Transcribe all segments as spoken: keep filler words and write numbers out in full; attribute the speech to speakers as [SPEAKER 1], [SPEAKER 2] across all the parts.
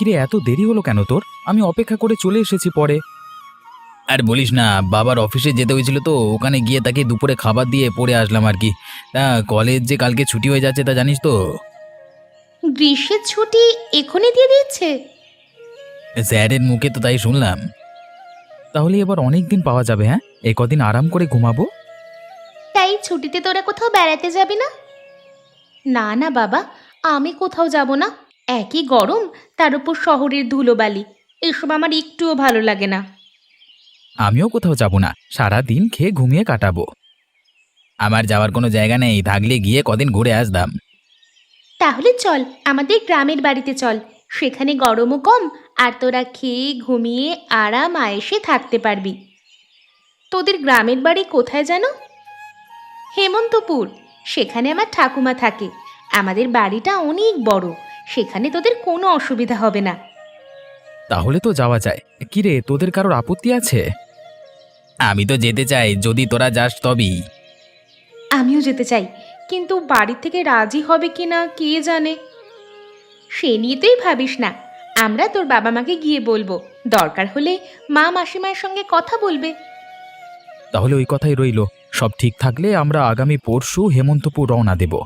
[SPEAKER 1] কিরে, এত দেরি হলো কেন তোর? আমি অপেক্ষা করে চলে এসেছি পরে। আর বলিস না, বাবার অফিসে যেতে হয়েছিল তো ওখানে গিয়ে তাকে দুপুরে খাবার দিয়ে পড়ে আসলাম আর কি। তা কলেজ যে কালকে ছুটি হয়ে যাচ্ছে তা জানিস তো?
[SPEAKER 2] গ্রীষ্মের ছুটি এখনই দিয়ে দিচ্ছে?
[SPEAKER 1] স্যারের মুখে তো তাই শুনলাম। তাহলে এবার অনেক দিন পাওয়া যাবে। হ্যাঁ, এই কদিন আরাম করে ঘুমাবো।
[SPEAKER 2] তাই ছুটিতে তোরা কোথাও বেড়াতে যাবি না? না না বাবা, আমি কোথাও যাব না। একই গরম, তার উপর শহরের ধুলোবালি, এসব আমার একটুও ভালো লাগে না।
[SPEAKER 1] আমিও কোথাও যাব না, সারা দিন খেয়ে ঘুমিয়ে কাটাবো। আমার যাওয়ার কোনো জায়গা নেই, থাকলে গিয়ে কদিন ঘুরে আসতাম।
[SPEAKER 2] তাহলে চল আমাদের গ্রামের বাড়িতে চল, সেখানে গরমও কম, আর তোরা খেয়ে ঘুমিয়ে আরাম আয়েসে থাকতে পারবি। তোদের গ্রামের বাড়ি কোথায় যেন? হেমন্তপুর। সেখানে আমার ঠাকুমা থাকে। আমাদের বাড়িটা অনেক বড়, সেখানে তোদের কোনো অসুবিধা হবে না।
[SPEAKER 1] তাহলে তো যাওয়া যায়। কিরে, তোদের কারোর আপত্তি আছে? আমি তো যেতে চাই, যদি তোরা যাস তবেই।
[SPEAKER 2] আমিও যেতে চাই, কিন্তু বাড়ি থেকে রাজি হবে কি না কে জানে। সে নিয়ে তুই ভাবিস না, আমরা তোর বাবা মাকে গিয়ে বলবো, দরকার হলে মা মাসিমার সঙ্গে কথা বলবে।
[SPEAKER 1] তাহলে ওই কথাই রইল। সব ঠিক থাকলে আমরা আগামী পরশু হেমন্তপুর রওনা দেব।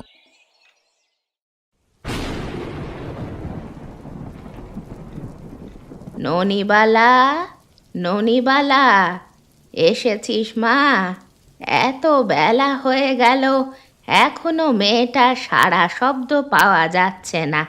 [SPEAKER 2] ননিবালা, ননিবালা, এসেছিস মা? এত বেলা হয়ে গেল, এখনো মেয়েটার সারা শব্দ পাওয়া যাচ্ছে না।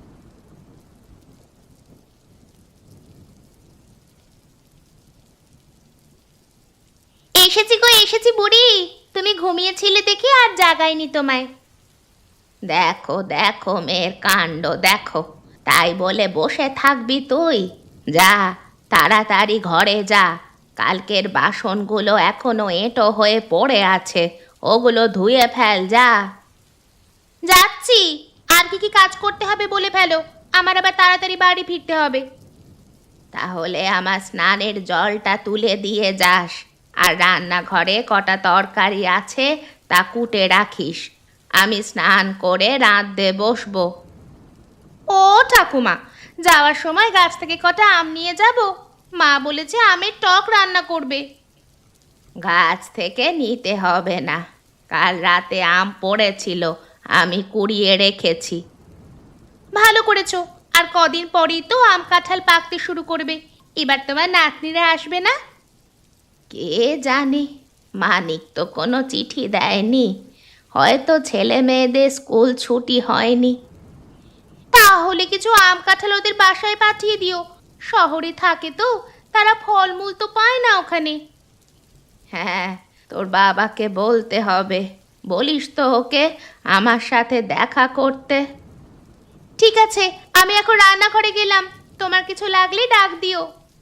[SPEAKER 2] এসেছি গো, এসেছি বুড়ি। তুমি ঘুমিয়েছিলে দেখি আর জাগাইনি তোমায়। দেখো দেখো মেয়ের কাণ্ড দেখো, তাই বলে বসে থাকবি তুই? যা, তাড়াতাড়ি ঘরে যা। কালকের বাসনগুলো এখনো এঁটো হয়ে পড়ে আছে, ওগুলো ধুয়ে ফেল যা। যাচ্ছি। আর কি কি কাজ করতে হবে বলে ফেলো, আমার আবার তাড়াতাড়ি বাড়ি ফিরতে হবে। তাহলে আমার স্নানের জলটা তুলে দিয়ে যাস, আর রান্নাঘরে কটা তরকারি আছে তা কুটে রাখিস। আমি স্নান করে রাঁধতে বসবো। ও ঠাকুমা, যাওয়ার সময় গাছ থেকে কটা আম নিয়ে যাব। মা বলেছে আমের টক রান্না করবে। গাছ থেকে নিতে হবে না, কাল রাতে আম পড়েছিল, আমি কুড়িয়ে রেখেছি। ভালো করেছো, আর কদিন পরেই তো আম কাঁঠাল পাকতে শুরু করবে। এবার তোমার নাতনিরা আসবে না? কে জানে, মানিক তো কোনো চিঠি দেয়নি, হয়তো ছেলে মেয়েদের স্কুল ছুটি হয়নি। তাহলে কিছু আম কাঁঠাল ওদের বাসায় পাঠিয়ে দিও, শহরে থাকে তো, তারা ফলমূল তো পায় না ওখানে। হ্যাঁ, তোর বাবাকে বলতে হবে, বলিস তো ওকে আমার সাথে দেখা করতে। ঠিক আছে, আমি এখন রান্নাঘরে গেলাম, তোমার কিছু লাগলে ডাক দিও।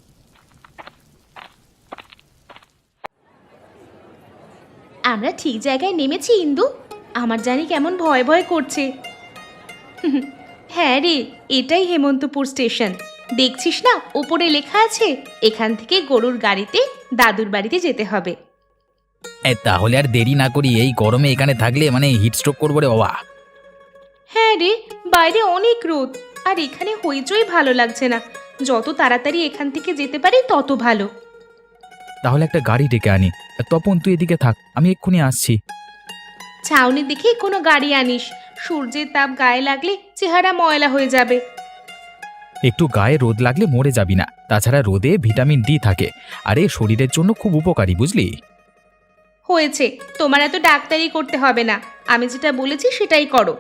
[SPEAKER 2] আমরা ঠিক জায়গায় নেমেছি ইন্দু, আমার জানি কেমন ভয় ভয় করছে। হ্যাঁ রে, এটাই হেমন্তপুর স্টেশন। দেখছিস না উপরে লেখা আছে, এখান থেকে গরুর গাড়িতে দাদুর বাড়িতে যেতে হবে।
[SPEAKER 1] এ, তাহলে আর দেরি না করি, এই গরমে এখানে থাকলে মানে হিটস্ট্রোক করবো রে বাবা।
[SPEAKER 2] হ্যাঁ রে, বাইরে অনেক রোদ, আর এখানে হইচই ভালো লাগছে না। যত তাড়াতাড়ি এখান থেকে যেতে পারি তত ভালো।
[SPEAKER 1] তাহলে একটা গাড়ি ডেকে আনি। তপন, তুই এদিকে থাক, আমি এক্ষুনি আসছি।
[SPEAKER 2] ছাউনি দেখে কোনো গাড়ি আনিস, সূর্যের তাপ গায়ে লাগলে চেহারা ময়লা হয়ে যাবে।
[SPEAKER 1] একটু গায়ে রোদ লাগলে মরে যাবি না, তাছাড়া রোদে ভিটামিন ডি থাকে, আর এ শরীরের জন্য খুব উপকারী, বুঝলি?
[SPEAKER 2] হয়েছে, তোমার এত ডাক্তারি করতে হবে না, আমি যেটা বলেছি সেটাই করো।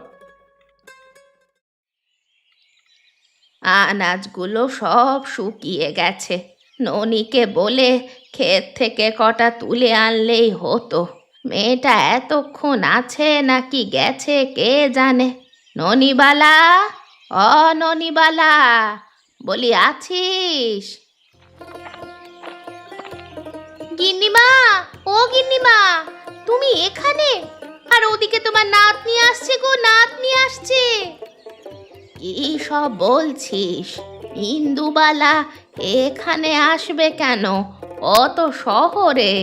[SPEAKER 2] আনাজগুলো সব শুকিয়ে গেছে, ননিকে বলে ক্ষেত থেকে কটা তুলে আনলেই হতো। মেয়েটা এতক্ষণ আছে নাকি গেছে কে জানে। ননিবালা, অ ননিবালা, বলি আছিস? গিন্নিমা, ও গিন্নিমা, তুমি এখানে? আর ওদিকে তোমার নাতনি আসছে গো, নাতনি আসছে। কি সব বলছিস? ইন্দুবালা এখানে আসবে কেন? ও তো শহরে,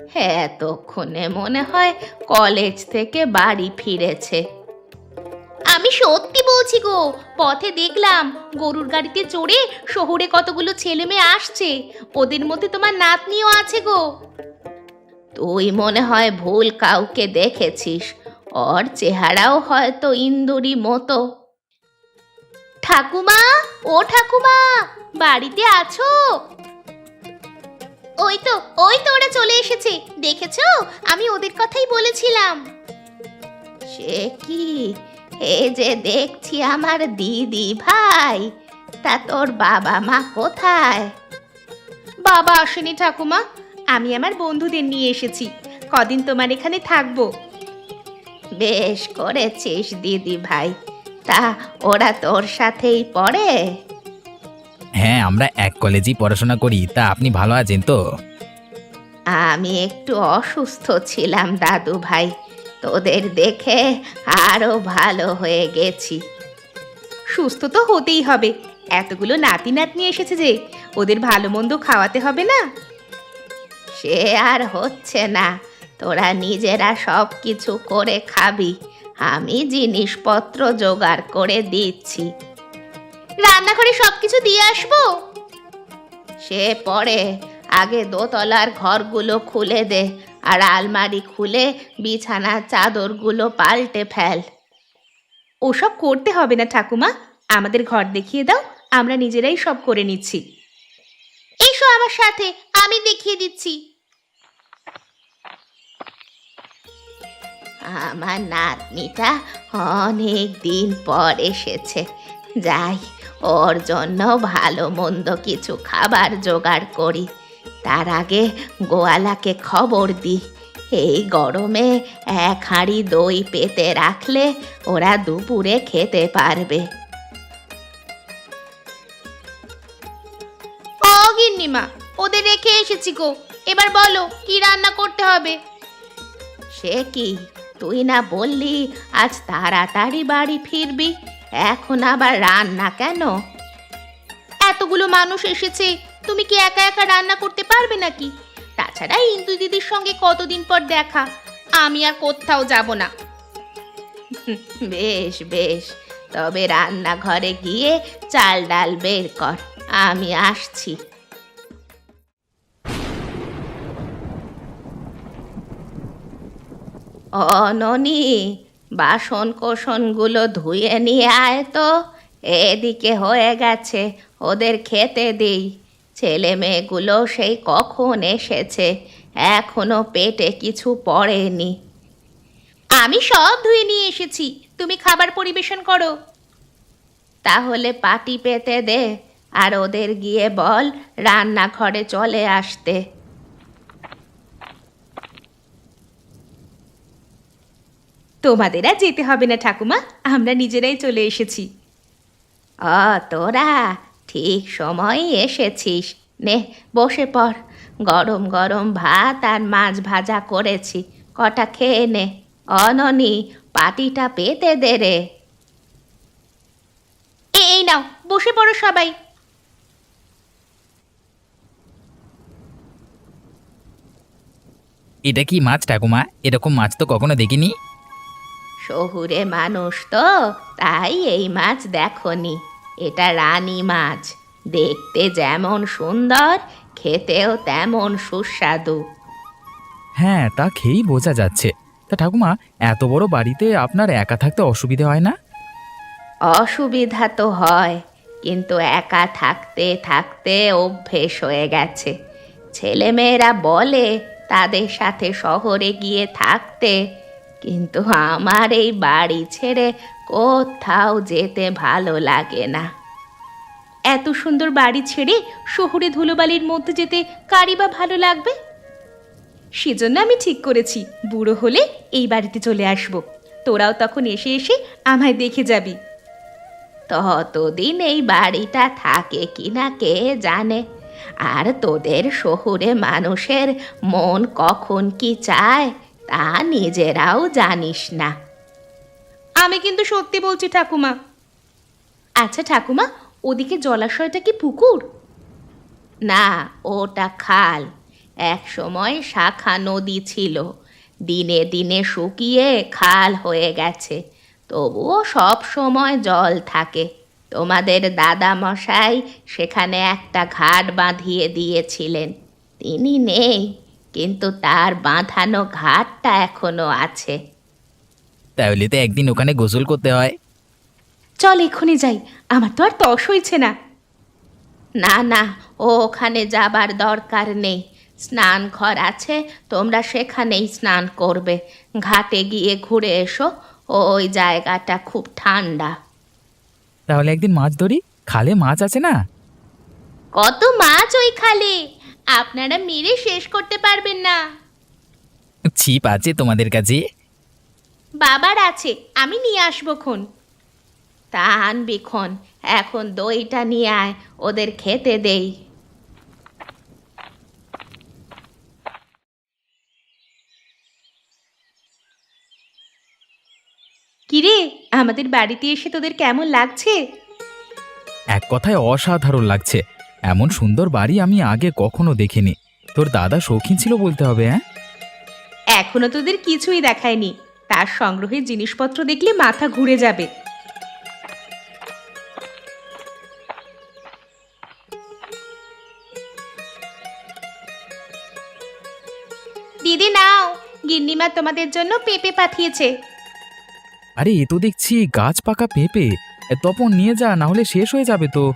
[SPEAKER 2] এতক্ষণে মনে হয় কলেজ থেকে বাড়ি ফিরেছে। আমি সত্যি বলছি গো, পথে দেখলাম গরুর গাড়িতে চড়ে শহরে কতগুলো ছেলে মেয়ে আসছে, ওদের মধ্যে তোমার নাতনিও আছে গো। তুই মনে হয় ভুল কাউকে দেখেছিস, ওর চেহারাও হয়তো ইন্দুরি মতো। ঠাকুমা, ও ঠাকুমা, বাড়িতে আছো? ওই তো ওই তো ওরা চলে এসেছে, দেখেছো? আমি ওদের কথাই বলেছিলাম। সে কি, এ যে দেখছি আমার দিদি ভাই, তা তোর বাবা মা কোথায়? বাবা আসেনি ঠাকুমা, আমি আমার বন্ধুদের নিয়ে এসেছি, কদিন তোমার এখানে থাকবো। বেশ করেছিস দিদি ভাই, তা ওরা তোর সাথেই পড়ে?
[SPEAKER 1] হ্যাঁ, আমরা এক কলেজেই পড়াশোনা করি। তা আপনি ভালো আছেন তো?
[SPEAKER 2] আমি একটু অসুস্থ ছিলাম দাদু ভাই, তোদের দেখে আরো ভালো হয়ে গেছি। সুস্থ তো হতেই হবে, এতগুলো নাতি নাতনি এসেছে যে, ওদের ভালো মন্দ খাওয়াতে হবে না? সে আর হচ্ছে না, তোরা নিজেরা সব কিছু করে খাবি, আমি জিনিসপত্র জোগাড় করে দিচ্ছি। রান্নাঘরে সব কিছু দিয়ে আসবো? সে পরে, আগে দোতলার ঘরগুলো খুলে দে, আর আলমারি খুলে বিছানার চাদরগুলো পাল্টে ফেল। ওসব করতে হবে না ঠাকুমা, আমাদের ঘর দেখিয়ে দাও, আমরা নিজেরাই সব করে নিচ্ছি। এসো আমার সাথে, আমি দেখিয়ে দিচ্ছি। আমার নাতনিটা অনেক দিন পর এসেছে, যাই ওর জন্য ভালো মন্দ কিছু খাবার জোগাড় করি। তার আগে গোয়ালাকে খবর দি, এই গরমে এক হাঁড়ি দই পেতে রাখলে ওরা দুপুরে খেতে পারবে। ও গিন্নিমা, ওদের রেখে এসেছি গো, এবার বলো কি রান্না করতে হবে? সে কি, তুই না বললি আজ তাড়াতাড়ি বাড়ি ফিরবি, এখন আবার রান্না কেন? এতগুলো মানুষ এসেছে, তুমি কি একা একা রান্না করতে পারবে নাকি? তাছাড়া ইন্দু দিদির সঙ্গে কতদিন পর দেখা, আমি আর কোথাও যাব না। বেশ বেশ, তবে রান্নাঘরে গিয়ে চাল ডাল বের কর, আমি আসছি। অননি, বাসন কোসনগুলো ধুয়ে নিয়ে আয় তো, এদিকে হয়ে গেছে, ওদের খেতে দিই। ছেলে মেয়েগুলো সেই কখন এসেছে, এখনো পেটে কিছু পড়েনি। আমি সব ধুয়ে নিয়ে এসেছি, তুমি খাবার পরিবেশন করো। তাহলে পাটি পেতে দে, আর ওদের গিয়ে বল রান্নাঘরে চলে আসতে। তোমাদের আর যেতে হবে না ঠাকুমা, আমরা নিজেরাই চলে এসেছি। অ, তোরা ঠিক সময় এসেছিস, নে বসে পড়, গরম গরম ভাত আর মাছ ভাজা করেছি, কটা খেয়ে নে। অননি, পাটিটা পেতে দে রে। এই নাও, বসে পড়ো সবাই।
[SPEAKER 1] এটা কি মাছ ঠাকুমা? এরকম মাছ তো কখনো দেখিনি।
[SPEAKER 2] শহুরে মানুষ তো, তাই এই মাছ দেখনি। এটা রানী মাছ, দেখতে যেমন সুন্দর, খেতেও তেমন সুস্বাদু।
[SPEAKER 1] হ্যাঁ, তা খেয়েই বোঝা যাচ্ছে। তা ঠাকুমা, এত বড় বাড়িতে আপনার একা থাকতে অসুবিধে হয় না?
[SPEAKER 2] অসুবিধা তো হয়, কিন্তু একা থাকতে থাকতে অভ্যেস হয়ে গেছে। ছেলেমেয়েরা বলে তাদের সাথে শহরে গিয়ে থাকতে, কিন্তু আমার এই বাড়ি ছেড়ে কোথাও যেতে ভালো লাগে না। এত সুন্দর বাড়ি ছেড়ে শহুরে ধুলোবালির মধ্যে যেতে কারই বা ভালো লাগবে? সেজন্য আমি ঠিক করেছি, বুড়ো হলে এই বাড়িতে চলে আসব, তোরাও তখন এসে এসে আমায় দেখে যাবি। ততদিন এই বাড়িটা থাকে কিনা কে জানে, আর তোদের শহুরে মানুষের মন কখন কি চায় তা নিজেরাও জানিস না। আমি কিন্তু সত্যি বলছি ঠাকুমা। আচ্ছা ঠাকুমা, ওদিকে জলাশয়টা কি পুকুর? না, ওটা খাল। এক সময় শাখা নদী ছিল, দিনে দিনে শুকিয়ে খাল হয়ে গেছে। তবুও সব সময় জল থাকে। তোমাদের দাদা মশাই সেখানে একটা ঘাট বাঁধিয়ে দিয়েছিলেন। তিনি নেই, কিন্তু তার বাঁধানো ঘাটটা এখনো আছে।
[SPEAKER 1] তাহলে তো একদিন ওখানে গোসল করতে হয়।
[SPEAKER 2] চল এক্ষুনি যাই, আমার তো আর তস হইছে না। না না, ও ওখানে যাবার দরকার নেই। স্নান ঘর আছে, তোমরা সেখানেই স্নান করবে। ঘাটে গিয়ে ঘুরে এসো, ওই জায়গাটা খুব ঠান্ডা।
[SPEAKER 1] তাহলে একদিন মাছ ধরি, খালে মাছ আছে না?
[SPEAKER 2] কত মাছ ওই খালে, আপনারা মেরে শেষ করতে পারবেন না।
[SPEAKER 1] ছিপ আছে তোমাদের কাছে?
[SPEAKER 2] বাবার আছে, আমি নিয়ে আসবো খন। তা আনবি খন, এখন দইটা নিয়ে আয়, ওদের খেতে দেই। কিরে, আমাদের বাড়িতে এসে তোদের কেমন লাগছে?
[SPEAKER 1] এক কথায় অসাধারণ লাগছে। এমন সুন্দর বাড়ি আমি আগে কখনো দেখিনি। তোর দাদা শৌখিন ছিল বলতে হবে। হ্যাঁ,
[SPEAKER 2] এখনো তোদের কিছুই দেখায়নি, তার সংগ্রহের জিনিসপত্র দেখলে মাথা ঘুরে যাবে। দিদি নাও, গিন্নিমা তোমাদের জন্য পেঁপে পাঠিয়েছে।
[SPEAKER 1] আরে এ তো দেখছি গাছ পাকা পেঁপে। এ, তপন নিয়ে যা, না হলে শেষ হয়ে যাবে তো।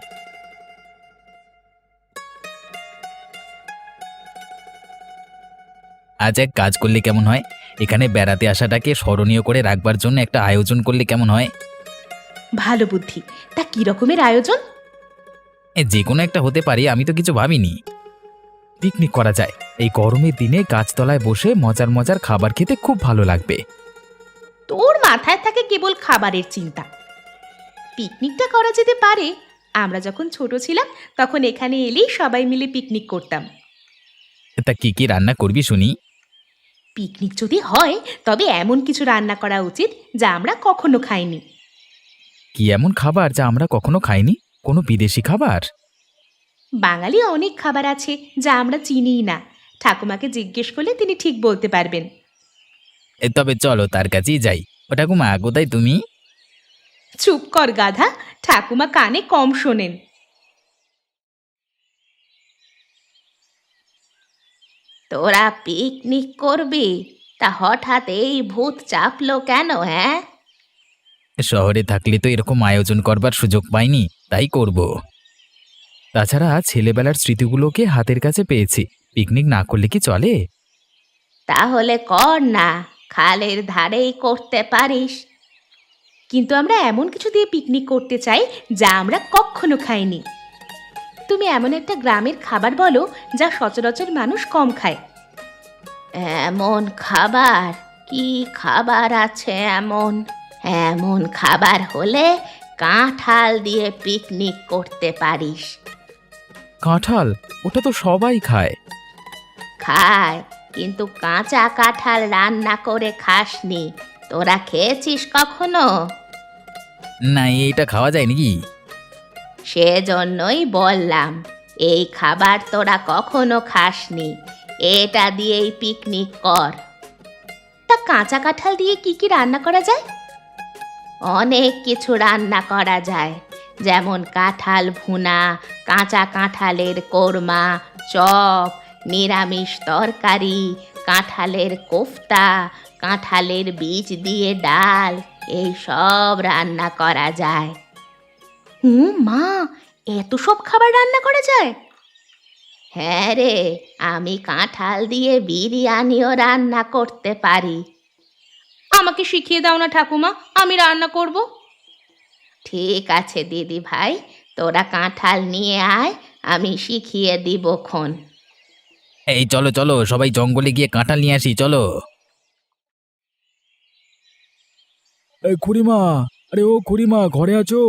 [SPEAKER 1] আজ এক কাজ করলে কেমন হয়, এখানে বেড়াতে আসাটাকে স্মরণীয় করে রাখবার জন্য একটা আয়োজন করলে কেমন হয়?
[SPEAKER 2] ভালো বুদ্ধি, তা কি রকমের আয়োজন?
[SPEAKER 1] এ, যে কোনো একটা হতে পারে, আমি তো কিছু ভাবিনি। পিকনিক করা যায়, এই গরমের দিনে গাছতলায় বসে মজার মজার খাবার খেতে খুব ভালো লাগবে।
[SPEAKER 2] তোর মাথায় থাকে কেবল খাবারের চিন্তা। পিকনিকটা করা যেতে পারে। আমরা যখন ছোট ছিলাম তখন এখানে এলেই সবাই মিলে পিকনিক করতাম।
[SPEAKER 1] তা কি কি রান্না করবি শুনি?
[SPEAKER 2] পিকনিক যদি হয় তবে এমন কিছু রান্না করা উচিত যা আমরা কখনো খাইনি।
[SPEAKER 1] কি এমন খাবার যা আমরা কখনো খাইনি? কোনো বিদেশি খাবার?
[SPEAKER 2] বাঙালি অনেক খাবার আছে যা আমরা চিনিই না। ঠাকুমাকে জিজ্ঞেস করলে তিনি ঠিক বলতে পারবেন।
[SPEAKER 1] এ, তবে চলো তার কাছেই যাই। ও ঠাকুমা, কোথায় তুমি?
[SPEAKER 2] চুপ কর গাধা, ঠাকুমা কানে কম শোনেন। তোরা পিকনিক করবি, তা হঠাৎ এই ভূত চাপলো কেন? হ্যাঁ,
[SPEAKER 1] শহরে থাকলে তো এরকম আয়োজন করবার সুযোগ পাইনি, তাই করব। তাছাড়া ছেলেবেলার স্মৃতিগুলোকে হাতের কাছে পেয়েছি, পিকনিক না করলে কি চলে?
[SPEAKER 2] তাহলে কর না, খালের ধারেই করতে পারিস। কিন্তু আমরা এমন কিছু দিয়ে পিকনিক করতে চাই যা আমরা কখনো খাইনি। তুমি এমন একটা গ্রামের খাবার বলো যা সচরাচর মানুষ কম খায়। এমন খাবার? কি খাবার আছে এমন? এমন খাবার হলে কাঁঠাল দিয়ে পিকনিক করতে পারিস।
[SPEAKER 1] কাঁঠাল? ওটা তো সবাই খায়।
[SPEAKER 2] খায়, কিন্তু কাঁচা কাঁঠাল রান্না করে খাসনি। তোরা খেয়েছিস কখনো?
[SPEAKER 1] না, এইটা খাওয়া যায় নাকি?
[SPEAKER 2] সেজন্যই বললাম, এই খাবার তোরা কখনো খাসনি, এটা দিয়েই পিকনিক কর। তা কাঁচা কাঁঠাল দিয়ে কি কি রান্না করা যায়? অনেক কিছু রান্না করা যায়, যেমন কাঁঠাল ভুনা, কাঁচা কাঁঠালের কোরমা, চপ, নিরামিষ তরকারি, কাঁঠালের কোফতা, কাঁঠালের বীজ দিয়ে ডাল, এই সব রান্না করা যায়। হুম মা, এত সব খাবার রান্না করা যায়? হ্যাঁ রে, আমি কাঁঠাল দিয়ে বিরিয়ানিও রান্না করতে পারি। আমাকে শিখিয়ে দাও না ঠাকুমা, আমি রান্না করব। ঠিক আছে দিদি ভাই, তোরা কাঁঠাল নিয়ে আয়, আমি শিখিয়ে দিব খন।
[SPEAKER 1] এই চলো চলো, সবাই জঙ্গলে গিয়ে কাঁঠাল নিয়ে আসি, চলো। এই খুড়িমা, আরে ও খুড়িমা, ঘরে আছো?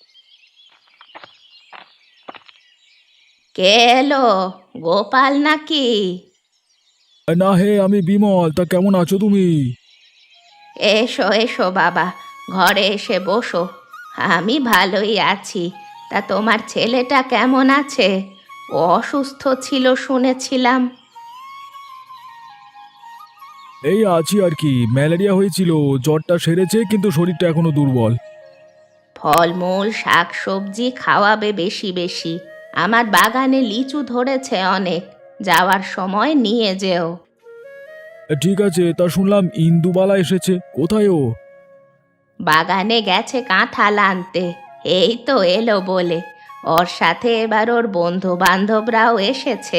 [SPEAKER 2] কে এলো? গোপাল নাকি?
[SPEAKER 1] না হে, আমি বিমল। তা কেমন আছো তুমি?
[SPEAKER 2] এসো এসো বাবা, ঘরে এসে বসো। আমি ভালোই আছি। তা তোমার ছেলেটা কেমন আছে? ও অসুস্থ ছিল শুনেছিলাম।
[SPEAKER 3] এই আছি আর কি। ম্যালেরিয়া হয়েছিল, জ্বরটা সেরেছে কিন্তু শরীরটা এখনো দুর্বল।
[SPEAKER 2] ফলমূল শাক সবজি খাওয়াবে বেশি বেশি। আমার বাগানে লিচু ধরেছে অনেক, যাওয়ার সময় নিয়ে যেও।
[SPEAKER 3] ঠিক আছে, তা শুনলাম ইন্দুবালা এসেছে, কোথায় ও?
[SPEAKER 2] বাগানে গেছে কাঁঠাল আনতে, এই তো এলো বলে। ওর সাথে এবার ওর বন্ধু বান্ধবরাও এসেছে।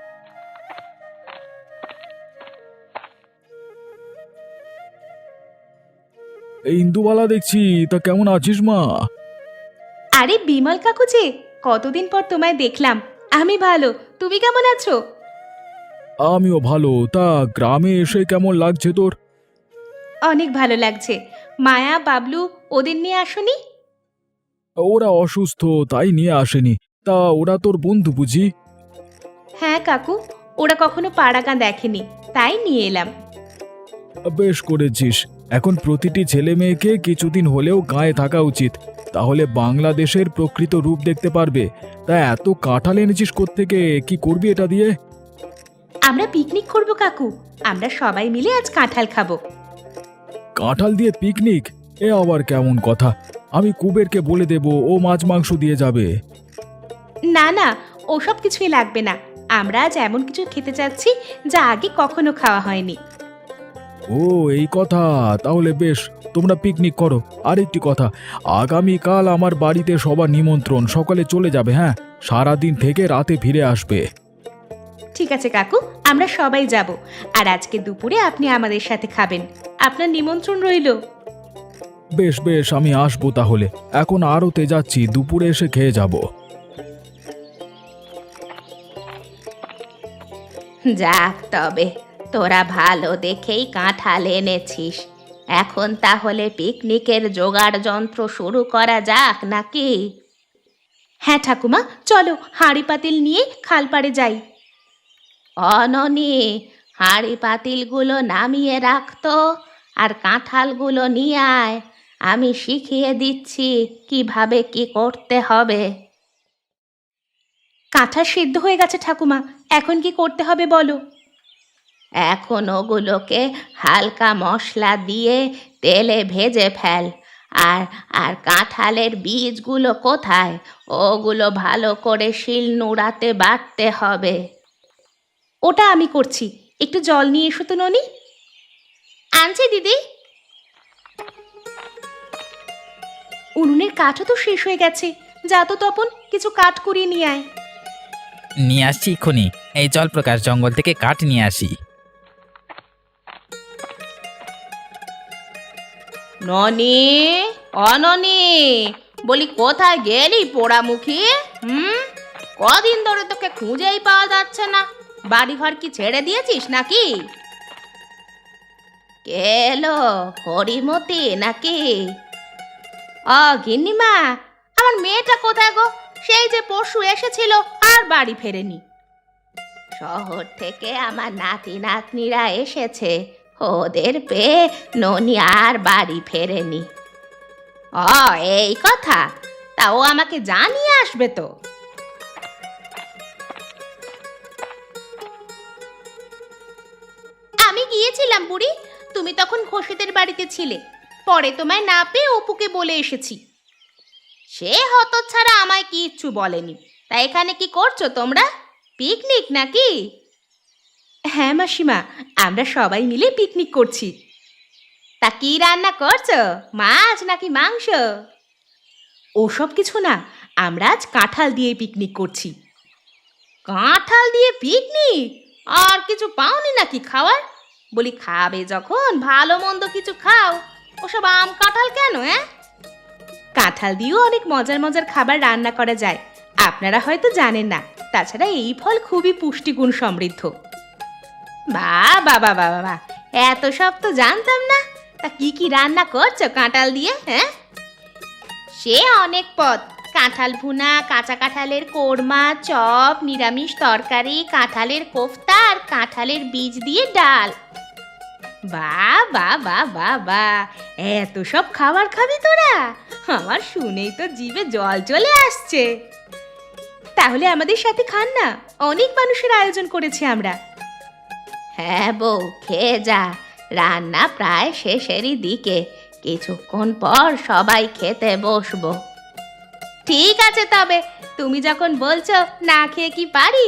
[SPEAKER 3] এই ইন্দুবালা দেখছি, তা কেমন আছিস মা?
[SPEAKER 2] আরে বিমল কাকু যে, কতদিন পর তোমায় দেখলাম। আমি ভালো, তুমি কেমন আছো?
[SPEAKER 3] আমিও ভালো। তা গ্রামে এসে কেমন লাগছে তোর?
[SPEAKER 2] অনেক ভালো লাগছে। মায়া বাবলু ওদের নিয়ে আসোনি?
[SPEAKER 3] ওরা অসুস্থ, তাই নিয়ে আসেনি। তা ওরা তোর বন্ধু বুঝি?
[SPEAKER 2] হ্যাঁ কাকু, ওরা কখনো পাড়াগাঁ দেখেনি, তাই নিয়ে এলাম।
[SPEAKER 3] বেশ করেছিস। এখন প্রতিটি ছেলে মেয়েকে কিছুদিন হলেও গায়ে থাকা উচিত, তাহলে বাংলাদেশের প্রকৃত রূপ দেখতে পারবে। তা এত কাঁঠাল এনেছিস কোত্থেকে? কি করবি এটা দিয়ে?
[SPEAKER 2] আমরা পিকনিক করব কাকু, আমরা সবাই মিলে আজ কাঁঠাল খাবো।
[SPEAKER 3] কাঁঠাল দিয়ে পিকনিক? এ আবার কেমন কথা? আমি কুবেরকে বলে দেব, ও মাছ মাংস দিয়ে যাবে।
[SPEAKER 2] না না, ওসব কিছুই লাগবে না। আমরা আজ এমন কিছু খেতে চাচ্ছি যা আগে কখনো খাওয়া হয়নি।
[SPEAKER 3] ও এই কথা, তাহলে বেশ, তোমরা পিকনিক করো। আর একটি কথা, আগামীকাল আমার বাড়িতে সবার নিমন্ত্রণ, সকালে চলে যাবে। হ্যাঁ, সারাদিন থেকে রাতে ফিরে আসবে।
[SPEAKER 2] ঠিক আছে কাকু, আমরা সবাই যাব। আর আজকে দুপুরে আপনি আমাদের সাথে খাবেন, আপনার নিমন্ত্রণ রইল।
[SPEAKER 3] বেশ বেশ, আমি আসবো তাহলে। এখন আরতে যাচ্ছি, দুপুরে এসে খেয়ে যাব।
[SPEAKER 2] যাক তবে, তোরা ভালো দেখেই কাঁঠাল এনেছিস। এখন তাহলে পিকনিকের জোগাড় যন্ত্র শুরু করা যাক নাকি? হ্যাঁ ঠাকুমা, চলো হাঁড়ি পাতিল নিয়ে খালপাড়ে যাই। অননি, হাঁড়ি পাতিলগুলো নামিয়ে রাখতো, আর কাঁঠালগুলো নিয়ে আয়। আমি শিখিয়ে দিচ্ছি কিভাবে কি করতে হবে। কাঁঠাল সিদ্ধ হয়ে গেছে ঠাকুমা, এখন কি করতে হবে বলো। এখন ওগুলোকে হালকা মশলা দিয়ে তেলে ভেজে ফেল। আর আর কাঁঠালের বীজগুলো কোথায়? ওগুলো ভালো করে শিল নোড়াতে বাটতে হবে। ওটা আমি করছি, একটু জল নিয়ে এসো তো ননি। আনছি দিদি। উনুনের কাঠও তো শেষ হয়ে গেছে, যা তো তপন কিছু কাঠ কুড়িয়ে নিয়ে আয়।
[SPEAKER 1] নিয়ে আসছি এক্ষুনি। এই চল প্রকাশ, জঙ্গল থেকে কাঠ নিয়ে আসি।
[SPEAKER 2] ননি, অননি, বলি কোথায় গেলি পোড়ামুখী? হুম, কদিন ধরে তোকে খুঁজেই পাওয়া যাচ্ছে না। বাড়িঘর কি ছেড়ে দিয়েছিস নাকি? কে এলো, হরিমতি নাকি? ও গিন্নিমা, আমার মেয়েটা কোথায় গো? সেই যে পরশু এসেছিল আর বাড়ি ফেরেনি। শহর থেকে আমার নাতি নাতনিরা এসেছে, ওদের পেয়ে ননি আর বাড়ি ফেরেনি। ও এই কথা, তা ও আমাকে জানিয়ে আসবে তো। আমি গিয়েছিলাম বুড়ি, তুমি তখন ঘোষেদের বাড়িতে ছিলে। পরে তোমায় না পেয়ে অপুকে বলে এসেছি। সে হতচ্ছাড়া আমায় কিচ্ছু বলেনি। তা এখানে কি করছো তোমরা? পিকনিক নাকি? হ্যাঁ মাসিমা, আমরা সবাই মিলে পিকনিক করছি। তা কি রান্না করছো, মাছ নাকি মাংস? ওসব কিছু না, আমরা আজ কাঁঠাল দিয়ে পিকনিক করছি। কাঁঠাল দিয়ে পিকনিক? আর কিছু পাওনি নাকি খাওয়ার? বলি খাবে যখন ভালো মন্দ কিছু খাও, ওসব আম কাঁঠাল কেন? হ্যাঁ, কাঁঠাল দিয়েও অনেক মজার মজার খাবার রান্না করা যায়, আপনারা হয়তো জানেন না। তাছাড়া এই ফল খুবই পুষ্টিগুণ সমৃদ্ধ। বাহ বাবা বাবা বাহ, এত সব তো জানতাম না। তা কি কি রান্না করছো কাঁঠাল দিয়ে? হ্যাঁ, সে অনেক পদ। কাঁঠাল ভুনা, কাঁচা কাঁঠালের কোরমা, চপ, নিরামিষ তরকারি, কাঁঠালের কোফতা আর কাঁঠালের বীজ দিয়ে ডাল। বাহ বাহ বাহ বাহ বাহ, এত সব খাবার খাবি তোরা? আমার শুনেই তো জিভে জল চলে আসছে। তাহলে আমাদের সাথে খান না, অনেক মানুষের আয়োজন করেছি আমরা। হ্যাঁ বউ, খেয়ে যা, রান্না প্রায় শেষেরই দিকে, কিছুক্ষণ পর সবাই খেতে বসবো। ঠিক আছে, তবে তুমি যখন বলছো, না খেয়ে কি পারি?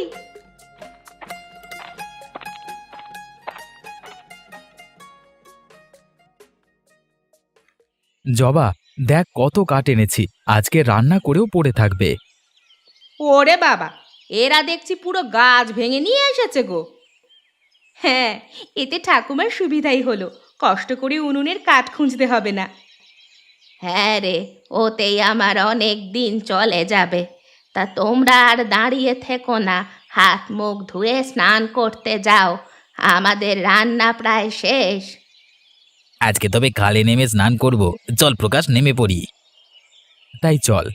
[SPEAKER 1] জবা, দেখ কত কাঠ এনেছি, আজকে রান্না করেও পড়ে থাকবে।
[SPEAKER 2] ওরে বাবা, এরা দেখছি পুরো গাছ ভেঙে নিয়ে এসেছে গো। হ্যাঁ, এতে ঠাকুমার সুবিধাই হলো, কষ্ট করে উনুনের কাঠ খুঁজতে হবে না। হ্যাঁ রে, ওতেই আমার অনেক দিন চলে যাবে। তা তোমরা আর দাঁড়িয়ে থেকো না, হাত মুখ ধুয়ে স্নান করতে যাও, আমাদের রান্না প্রায় শেষ।
[SPEAKER 1] আজকে তবে খালে নেমে স্নান করব, চল প্রকাশ, নেমে পড়ি। তাই চল।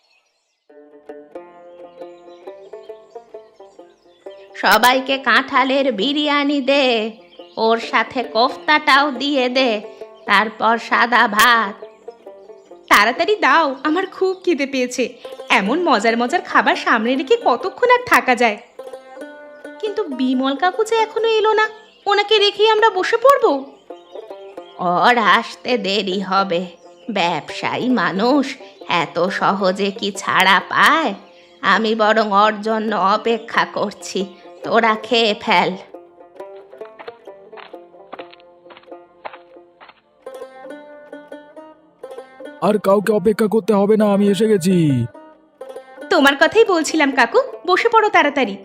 [SPEAKER 2] সবাইকে কাঁঠালের বিরিয়ানি দে, ওর সাথে কোফতাটাও দিয়ে দে, তারপর সাদা ভাত। তাড়াতাড়ি দাও, আমার খুব খিদে পেয়েছে। এমন মজার মজার খাবার সামনে রেখে কতক্ষণ আর থাকা যায়? কিন্তু বিমল কাকু যে এখনো এলো না, ওনাকে রেখেই আমরা বসে পড়বো? ওর আসতে দেরি হবে, ব্যবসায়ী মানুষ, এত সহজে কি ছাড়া পায়? আমি বরং ওর জন্য অপেক্ষা করছি, তোরা খেয়ে ফেল।
[SPEAKER 3] আর কাউকে অপেক্ষা করতে হবে না, আমি এসে গেছি।
[SPEAKER 2] তোমার কথাই বলছিলাম কাকু, বসে পড়ো তাড়াতাড়ি।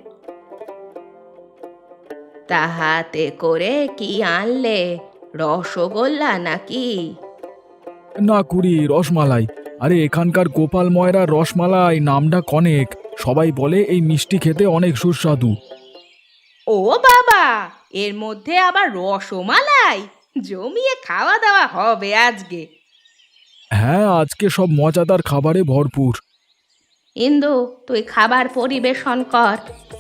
[SPEAKER 2] তাহাতে করে কি আনলে, রসগোল্লা নাকি?
[SPEAKER 3] না কুড়ি, রসমালাই। আরে এখানকার গোপাল ময়রা রসমালাই নামটা কনেক, সবাই বলে এই মিষ্টি খেতে অনেক সুস্বাদু।
[SPEAKER 2] ও বাবা, এর মধ্যে আবার রসমালাই? জমিয়ে খাওয়া দাওয়া হবে আজকে।
[SPEAKER 3] হ্যাঁ, আজকে সব মজাদার খাবারে ভরপুর।
[SPEAKER 2] ইন্দু, তুই খাবার পরিবেশন কর।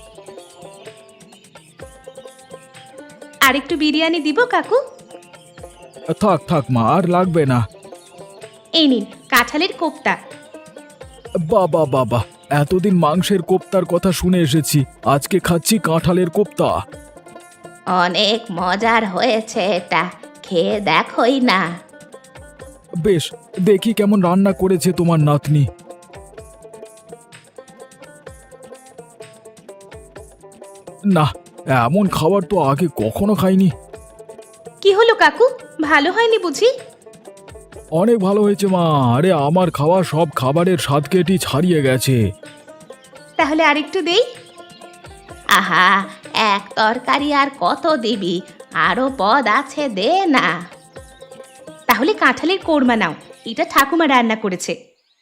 [SPEAKER 2] আরেকটু বিরিয়ানি দিব কাকু?
[SPEAKER 3] থাক থাক মা, আর লাগবে না।
[SPEAKER 2] এই নিন কাঁঠালের কোপ্তা।
[SPEAKER 3] বাবা বাবা, এতদিন মাংসের কোপ্তার কথা শুনে এসেছি, আজকে খাচ্ছি কাঁঠালের কোপ্তা।
[SPEAKER 2] অনেক মজার হয়েছে এটা, খেয়ে দেখোই না।
[SPEAKER 3] বেশ, দেখি কেমন রান্না করেছে তোমার নাতনি। না, এমন খাবার তো আগে কখনো খাইনি।
[SPEAKER 2] কি হলো কাকু, ভালো হয়নি বুঝি?
[SPEAKER 3] অনেক ভালো হয়েছে মা, আরে আমার খাওয়া সব খাবারের স্বাদ কেটি ছাড়িয়ে গেছে।
[SPEAKER 2] তাহলে আরেকটু দেই। আহা, এক তরকারি আর কত দিবি, আরো পদ আছে, দে না। তাহলে কাঁঠালের কোরমা নাও, এটা ঠাকুমা রান্না করেছে।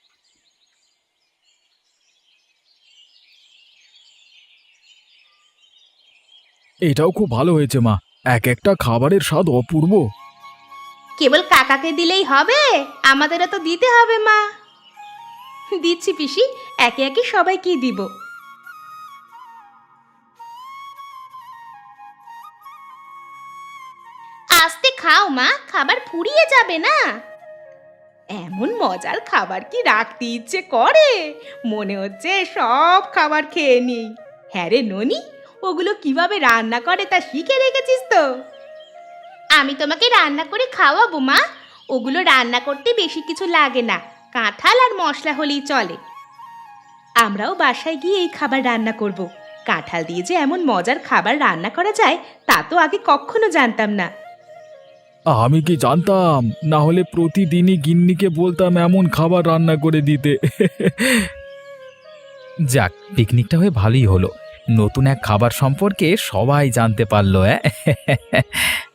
[SPEAKER 3] এটাও খুব ভালো হয়েছে মা, এক একটা খাবারের স্বাদ অপূর্ব।
[SPEAKER 2] কেবল কাকাকে দিলেই হবে, আমাদেরও তো দিতে হবে মা। দিচ্ছি পিসি, একে একে সবাইকে দিব। আস্তে খাও মা, খাবার ফুরিয়ে যাবে না। এমন মজার খাবার কি রাখতে ইচ্ছে করে? মনে হচ্ছে সব খাবার খেয়ে নিই। হ্যাঁ রে ননি, ওগুলো কিভাবে রান্না করে তা শিখে রেখেছিস তো? আমি তোমাকে রান্না করে খাওয়াবো মা, ওগুলো রান্না করতে বেশি কিছু লাগে না, কাঁঠাল আর মশলা হলেই চলে। আমরাও বাসায় গিয়ে এই খাবার রান্না করব। কাঁঠাল দিয়ে যে এমন মজার খাবার রান্না করা যায় তা তো আগে কখনো জানতাম না।
[SPEAKER 3] আমি কি জানতাম, না হলে প্রতিদিনই গিন্নিকে বলতাম এমন খাবার রান্না করে দিতে।
[SPEAKER 1] যাক, পিকনিকটা হয়ে ভালোই হলো, নতুন এক খাবার সম্পর্কে সবাই জানতে পারলো। হ্যাঁ।